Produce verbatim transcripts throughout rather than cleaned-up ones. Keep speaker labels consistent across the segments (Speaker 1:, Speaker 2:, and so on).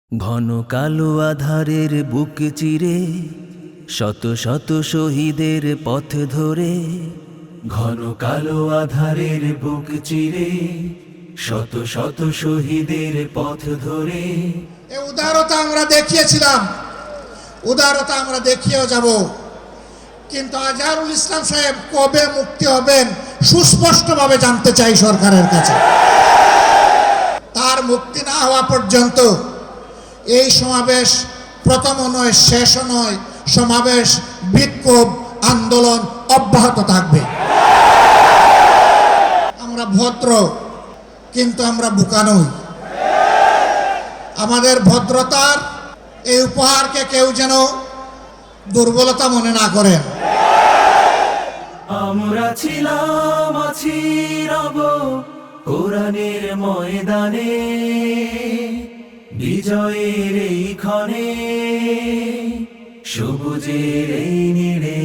Speaker 1: ঘন কালো আধারের বুক চিরে শত শত শহীদের পথ ধরে, ঘন কালো আধারের বুক চিরে শত শত শহীদের পথ ধরে।
Speaker 2: এই উদারতা আমরা দেখিয়েছিলাম, উদারতা আমরা দেখিয়েও যাব, কিন্তু আজহারুল ইসলাম সাহেব কবে মুক্তি হবেন সুস্পষ্টভাবে জানতে চাই সরকারের কাছে। তার মুক্তি না হওয়া পর্যন্ত এই সমাবেশ প্রথমও নয়, শেষও নয়, সমাবেশ, বিক্ষোভ, আন্দোলন অব্যাহত থাকবে। আমরা ভদ্র, কিন্তু আমরা বোকা নই। আমাদের ভদ্রতার এই উপহারকে কেউ যেন দুর্বলতা মনে না করেন।
Speaker 1: আমরা ছিলাম, আছি, রব কোরআনের ময়দানে, বিজয়ের এই ক্ষণে, সবুজের এই নীড়ে।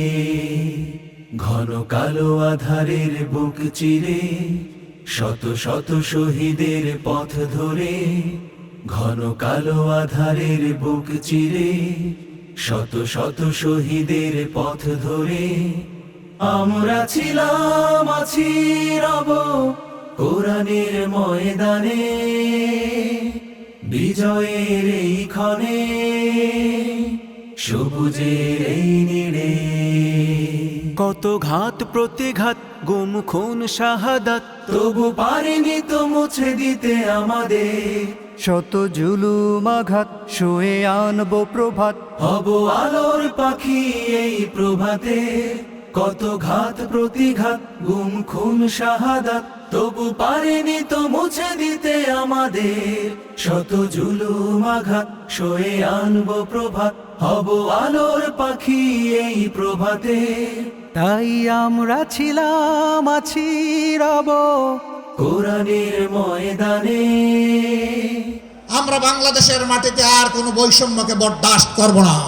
Speaker 1: ঘন কালো আধারের বুক চিরে শত শত শহীদের পথ ধরে, ঘন কালো আধারের বুক চিরে শত শত শহীদের পথ ধরে। আমরা ছিলাম, আছি, রব কোরআনের ময়দানে, বিজয়ের এই ক্ষণে, সবুজের এই নীড়ে।
Speaker 3: কত ঘাত প্রতিঘাত, গুম খুন শাহাদাত,
Speaker 1: তবু পারেনি তো মুছে দিতে আমাদের।
Speaker 3: শত জুলুম আঘাত, শুয়ে আনবো প্রভাত,
Speaker 1: হব আলোর পাখি এই প্রভাতে। কত ঘাত প্রতিঘাত, গুম খুন শাহাদাত, তবু পারেনি তো মুছে দিতে আমাদের। শত জুলুম আঘাত, সয়ে আনবো প্রভাত, হব আলোর পাখি এই প্রভাতে।
Speaker 3: তাই আমরা ছিলাম, আছি, রব
Speaker 1: কোরআনের ময়দানে।
Speaker 2: আমরা বাংলাদেশের মাটিতে আর কোনো বৈষম্যকে বরদাস্ত করব না।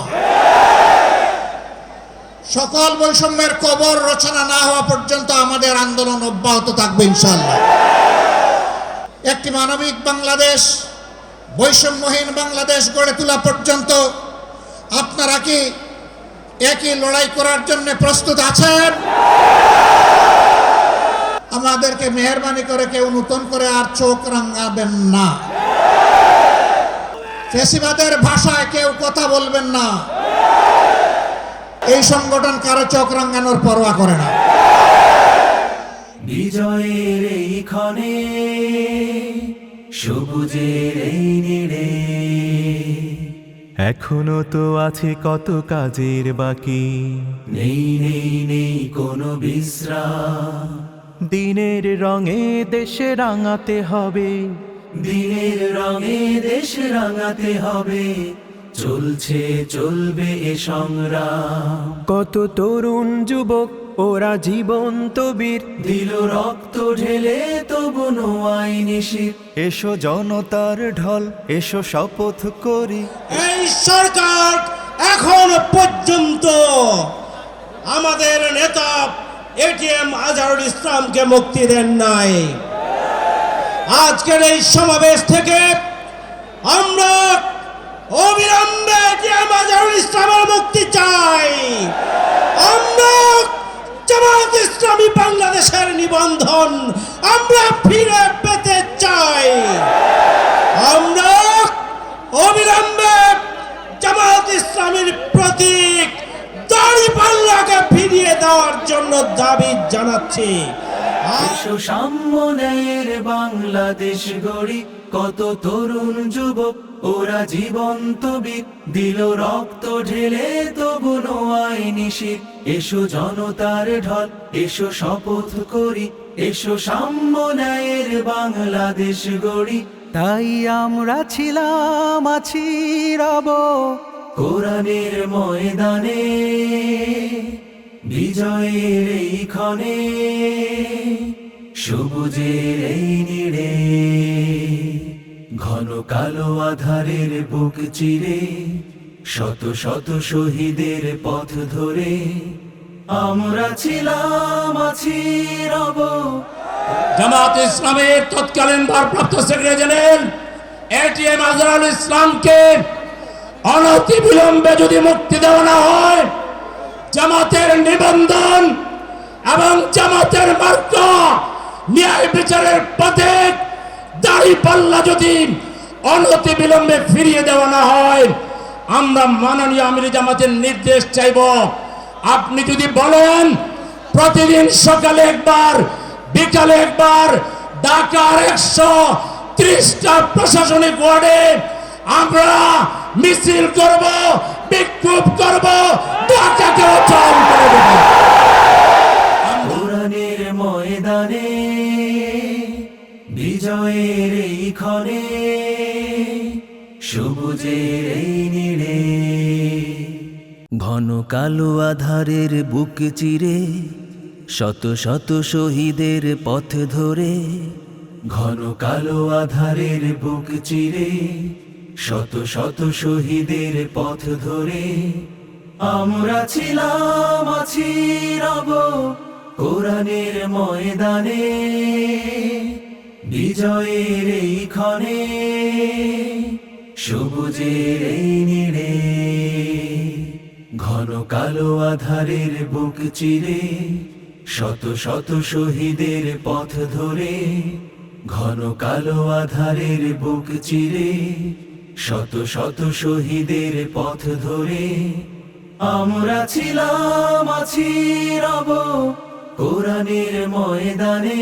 Speaker 2: সকল বৈষম্যের কবর রচনা না হওয়া পর্যন্ত আমাদের আন্দোলন অব্যাহত থাকবে ইনশাআল্লাহ। একটি মানবিক বাংলাদেশ, বৈষম্যহীন বাংলাদেশ গড়ে তোলা পর্যন্ত আপনারা কি একই লড়াই করার জন্য প্রস্তুত আছেন? আমাদেরকে মেহেরবানি করে কেউ নতুন করে আর চোখ রাঙাবেন না। ফ্যাসিবাদের ভাষায় কেউ কথা বলবেন না। এই সংগঠন কারো চোখ রাঙানোর পরোয়া করে না।
Speaker 1: বিজয়ের এই ক্ষণে, সবুজের এই নীড়ে।
Speaker 3: এখনো তো আছে কত কাজের বাকি,
Speaker 1: নেই নেই নেই কোনো বিশ্রাম।
Speaker 3: দিনের রঙে দেশে রাঙাতে হবে,
Speaker 1: দিনের রঙে দেশ রাঙাতে হবে। চলছে চলবে এ সংগ্রাম।
Speaker 3: কত তরুণ যুবক ওরা জীবন্ত বীর,
Speaker 1: দিল রক্ত ঢেলে তবু নোয়াই নিশির।
Speaker 3: এসো জনতার ঢল, এসো শপথ করি।
Speaker 4: এই সরকার এখন পর্যন্ত আমাদের নেতা এটিএম আজহারুল ইসলামকে মুক্তি দেন নাই। আজকের এই সমাবেশ থেকে আমরা অবিলম্বে এটিএম আজহারুল ইসলামের মুক্তি চাই। আমরা জামাত ইসলামী বাংলাদেশের নিবন্ধন আমরা ফিরে পেতে চাই। আমরা অবিলম্বে জামাত ইসলামীর প্রতীক দাড়িপাল্লাকে ফিরিয়ে দেওয়ার জন্য দাবি জানাচ্ছি।
Speaker 1: এসো সাম্যের বাংলাদেশ গড়ি। কত তরুণ যুবক ওরা জীবন্ত বীর, দিল রক্ত ঢেলে তবু নোয়াই নিশির। এসো জনতার ঢল, এসো শপথ করি। এসো সাম্যের বাংলাদেশ গড়ি।
Speaker 3: তাই আমরা ছিলাম, আছি, রব
Speaker 1: কোরআনের ময়দানে, বিজয়ের এই ক্ষণে, সবুজের এই নীড়ে। ঘন কালো আধারের বুক চিরে শত শত শহীদের পথ ধরে। আমরা ছিলাম, আছি, রব
Speaker 4: জামাত ইসলামের তৎকালীন ভারপ্রাপ্ত সেক্রেটারি জেনারেল এটিএম আজহারুল ইসলামকে অনতি বিলম্বে যদি মুক্তি দেওয়া না হয়, জামাতের নিবন্ধন এবং জামাতের মার্কা ন্যায় বিচারের পথে দাঁড়িপাল্লা যদি অনতি বিলম্বে ফিরিয়ে দেওয়া না হয়, আমরা মাননীয় আমির জামাতের নির্দেশ চাইব। আপনি যদি বলেন প্রতিদিন সকালে একবার বিকালে একবার ঢাকার একশো ত্রিশটা প্রশাসনিক ওয়ার্ডে আমরা মিছিল করব, বিক্ষোভ করব, ঢাকাকে অচল করে দেব।
Speaker 1: কোরআনের ময়দানে বিজয়ের এই ক্ষণে সবুজের এই নীড়ে ঘন কালো আধারের বুক চিরে শত শত শহীদের পথ ধরে, ঘন কালো আধারের বুক চিরে শত শত শহীদের পথ ধরে আমরা ছিলাম আছি রব কোরআনের ময়দানে বিজয়ের এই ক্ষণে সবুজের এই নীড়ে ঘন কালো আধারের বুক চিরে শত শত শহীদের পথ ধরে, ঘন কালো আধারের বুক চিরে শত শত শহীদের পথ ধরে আমরা ছিলাম আছি রব কোরআনের ময়দানে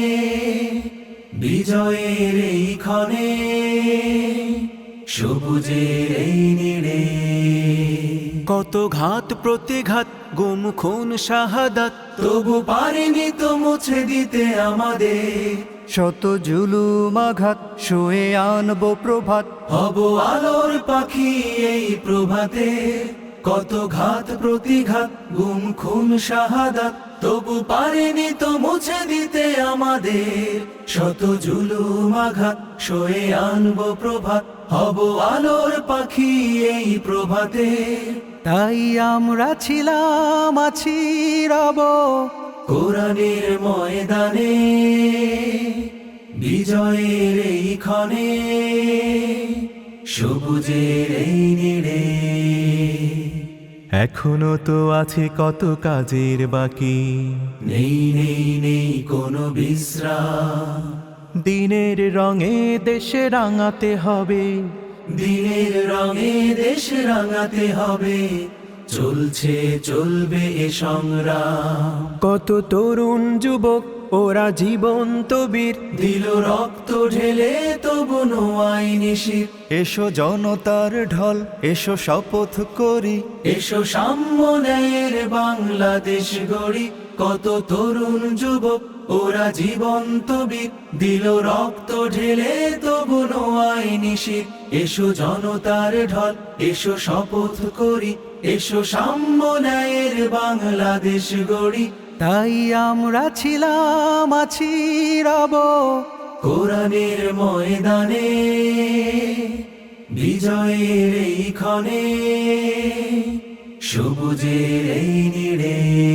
Speaker 1: বিজয়ের এই ক্ষণে সবুজের এই নীড়ে
Speaker 3: কত ঘাত প্রতিঘাত গুম খুন শাহাদাত
Speaker 1: তবু পারিনি তো মুছে দিতে আমাদের
Speaker 3: শত জুলুম আঘাত শুয়ে আনবো প্রভাত
Speaker 1: হব আলোর পাখি এই প্রভাতে কত ঘাত প্রতিঘাত গুম খুন শাহাদাত তবু পারিনি তো মুছে দিতে আমাদের শত জুলুম আঘাত সয়ে আনবো প্রভাত হব আলোর পাখি এই প্রভাতে
Speaker 3: তাই আমরা ছিলাম আছি রব
Speaker 1: কোরআনের ময়দানে বিজয়ের এই ক্ষণে সবুজের এই নীড়ে
Speaker 3: এখনো তো আছে কত কাজের বাকি
Speaker 1: নেই নেই নেই কোনো বিশ্রাম
Speaker 3: দিনের রঙে দেশে রাঙাতে হবে
Speaker 1: দিনের রঙে দেশ রাঙাতে হবে চলছে চলবে এ সংগ্রাম
Speaker 3: কত তরুণ যুবক ওরা জীবন্ত বীর
Speaker 1: দিল রক্ত ঢেলে তবু নোয়াই নিশির
Speaker 3: এসো জনতার ঢল এসো শপথ করি
Speaker 1: এসো সাম্য ন্যায়ের বাংলাদেশ গড়ি কত তরুণ যুবক ওরা জীবন্ত বীর দিল রক্ত ঢেলে তবু নোয়াই নিশির এসো জনতার ঢল এসো শপথ করি এসো সাম্য ন্যায়ের বাংলাদেশ গড়ি
Speaker 3: তাই আমরা ছিলাম আছি রব
Speaker 1: কোরআনের ময়দানে বিজয়ের এই ক্ষণে সবুজের এই নীড়ে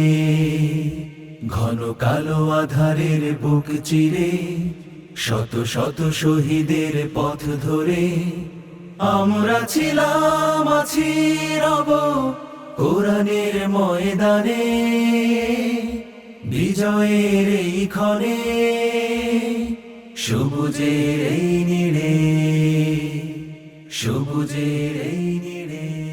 Speaker 1: ঘন কালো আধারের বুক চিরে শত শত শহীদের পথ ধরে আমরা ছিলাম আছি রব কোরআনের ময়দানে বিজয়ের এই ক্ষণে সবুজের এই নীড়ে সবুজের এই নীড়ে।